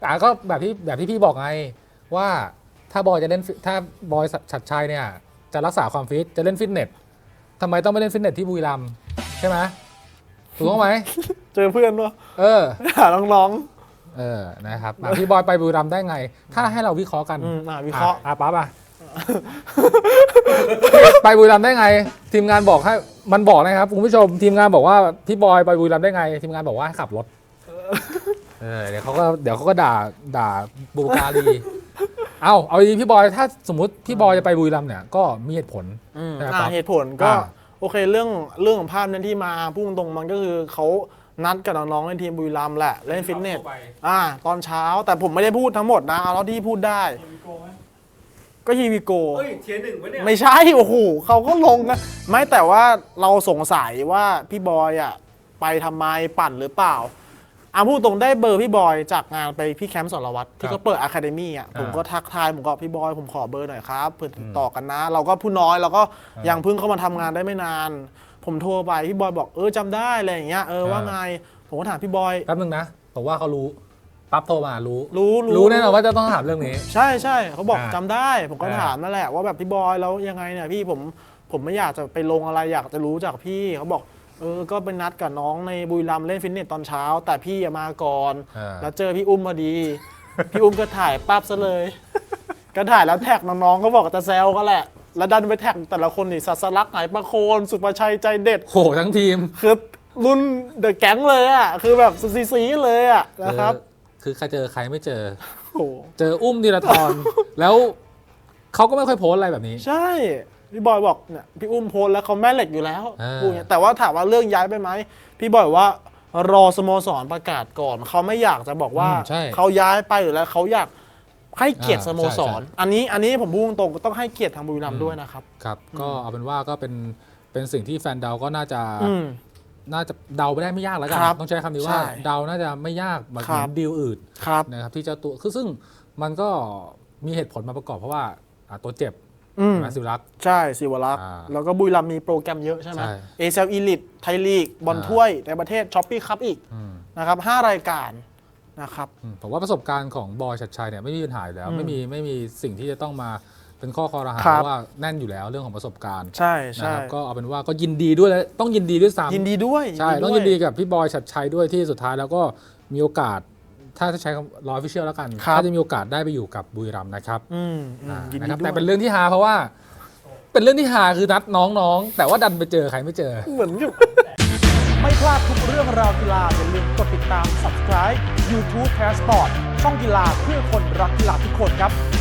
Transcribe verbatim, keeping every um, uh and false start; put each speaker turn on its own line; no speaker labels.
แต่ก็แบบที่แบบที่พี่บอกไงว่าถ้าบอยจะเล่นถ้าบอยฉัตรชัยเนี่ยจะรักษาความฟิตจะเล่นฟิตเนสทำไมต้องไปเล่นฟิตเนสที่บุรีรัมย์ใช่ไหมถูกต้องไหม
เจอเพื่อนวะ
เออ
หาน้อง
เออนะครับอ่ะพี่บอยไปบุรีรัมย์ได้ไง ถ้าให้เราวิเคราะห์กัน
ๆอืมอ่าวิเคราะห์
อ่ะปั๊บอ่ะ ไปบุรีรัมย์ได้ไง ทีมงานบอกให้มันบอกนะครับคุณผู้ชมทีมงานบอกว่าพี่บอยไปบุรีรัมย์ได้ไง ทีมงานบอกว่าให้ขับรถเออเดี๋ยวเขาก็เดี๋ยวเขาก็ด่าด่าบุปการี เอาเอาดีพี่บอยถ้าสมมุติพี่บอยจะไปบุรีรัมย์เนี่ยก็มีเหตุผล
อืม
ใช่ไหม
อ่า
ปั๊บ
เหตุผลก็
อ่า
โอเคเรื่องเรื่องของภาพนั้นที่มาพูดตรงๆมันก็คือเขานัดกับน้องๆในทีมบุรีรัมย์แหละเล่นฟิตเนสอ่าตอนเช้าแต่ผมไม่ได้พูดทั้งหมดนะเอาเท่าที่พูดได้ก็ฮีวิโก
เฮ้ยเทียร์หนึ่งวะเนี่ย
ไม่ใช่โอ้โหเขาก็ลงนะไม่แต่ว่าเราสงสัยว่าพี่บอยอ่ะไปทำไมปั่นหรือเปล่าอาพูดตรงได้เบอร์พี่บอยจากงานไปพี่แคมป์สรวัตรที่เขาเปิดอะคาเดมี่อ่ะผมก็ทักทายผมก็พี่บอยผมขอเบอร์หน่อยครับเพื่อติดต่อกันนะ เราก็ผู้น้อยเราก็ยังเพิ่งเข้ามาทำงานได้ไม่นาน ผมโทรไปพี่บอยบอกเออจำได้อะไรอย่างเงี้ยเออว่าไงผมก็ถามพี่บอย
แป๊บนึงนะผมว่าเขารู้ปั๊บโทรมารู้
รู้รู้
รู้แน่นอนว่าจะต้องถามเรื่องนี้
ใช่ใช่เขาบอก
อ่า
จำได้ผมก็
อ่า
ถามนั่นแหละว่าแบบพี่บอยแล้วยังไงเนี่ยพี่ผมผมไม่อยากจะไปลงอะไรอยากจะรู้จากพี่เขาบอกเออก็ไปนัดกับน้องในบุรีรัมย์เล่นฟิตเนสตอนเช้า แต่พี่อะมาก่อน
อ่า
แล้วเจอพี่อุ้มพอดี พี่อุ้มก็ถ่ายปั๊บซะเลย ก็ถ่ายแล้วแท็กน้องๆก็บอกจะแซวก็แหละ แล้วดันไปแท็กแต่ละคนนี่สัสลักไหนประโคนสุประชัยใจเด็ด
โหทั้งทีม
คือรุ่นเดอะแก๊งเลยอ่ะคือแบบซีซีเลยอ่ะนะครับ
คือคือใครเจอใครไม่เจอ
โอ้โห
เจออุ้มธีรทร แล้วเขาก็ไม่ค่อยโพสต์อะไรแบบนี้
ใช่ พี่บอยบอกเนี่ยพี่อุ้มโพสต์แล้วเขาแม่เหล็กอยู่แล้ว
อ่า
พูดอย่างเงี้ยแต่ว่าถามว่าเรื่องย้ายไปไหมพี่บอยว่ารอสโมสรประกาศก่อนเขาไม่อยากจะบอกว่า
อืมใช่
เขาย้ายไปอยู่แล้วเขาอยากให้เกียรติ
อ่า
สโมสร
ใช่ใช่
อันนี้อันนี้ผมพูดตรงๆต้องให้เกียรติทางบุรีรัมย์ด้วยนะครับ
ครับ ก็เอาเป็นว่าก็เป็นเป็นสิ่งที่แฟนเดาก็น่าจะ
อืม
น่าจะเดาไปได้ไม่ยากแล้วกัน
ครับ
ต้องใช้คำนี้
ใช่
ว่าเดาน่าจะไม่ยากเหมือน
ครับ
ดีลอื่น
ครับ
นะครับที่เจ้าตัวคือซึ่งมันก็มีเหตุผลมาประกอบเพราะว่าอ่าตัวเจ็บ
อืม
นะสิวรักษ์
ใช่สิวรักษ์
อ่า
แล้วก็บุรีรัมย์มีโปรแกรมเยอะใช่ไหม
ใช่
เอเซลอีลิทไทยลีกบอล
อ่า
ถ้วยในประเทศช้อปปี้คัพอีก
อืม
นะครับห้ารายการนะครับ
อืมผมว่าประสบการณ์ของบอยชัดชัยเนี่ยไม่มีปัญหาอยู่แล้ว
อืม
ไม่มีไม่มีสิ่งที่จะต้องมาเป็นข้อคอรหา
ครับ
เพราะว่าแน่นอยู่แล้วเรื่องของประสบการณ์
ใช่
นะ
ใช่
ครับก็เอาเป็นว่าก็ยินดีด้วยและต้องยินดีด้วยซ้ำ
ยินดีด้วย
ใช่
ว
ต้องยินดีกับพี่บอยชัดชัยด้วยที่สุดท้ายแล้วก็มีโอกาส ถ้าจะใช้คำร้อยฟิเชียลแล้วกัน
ครับ
ถ้าจะมีโอกาสได้ไปอยู่กับบุรีรัมย์นะครับ
อืมอืม
อ่า
ยิน
นะ
ดี
ครับ
ด้วย
แต่เป็นเรื่องที่ฮาเพราะว่า เป็นเรื่องที่ฮาคือนัดน้องๆ แต่ว่าดันไปเจอใครไม่เจอ
เหมือนกับไม่พลาดทุกเรื่องราวกีฬาอย่าลืมกดติดตาม Subscribe YouTube Passport ช่องกีฬาเพื่อคนรักกีฬาทุกคนครับ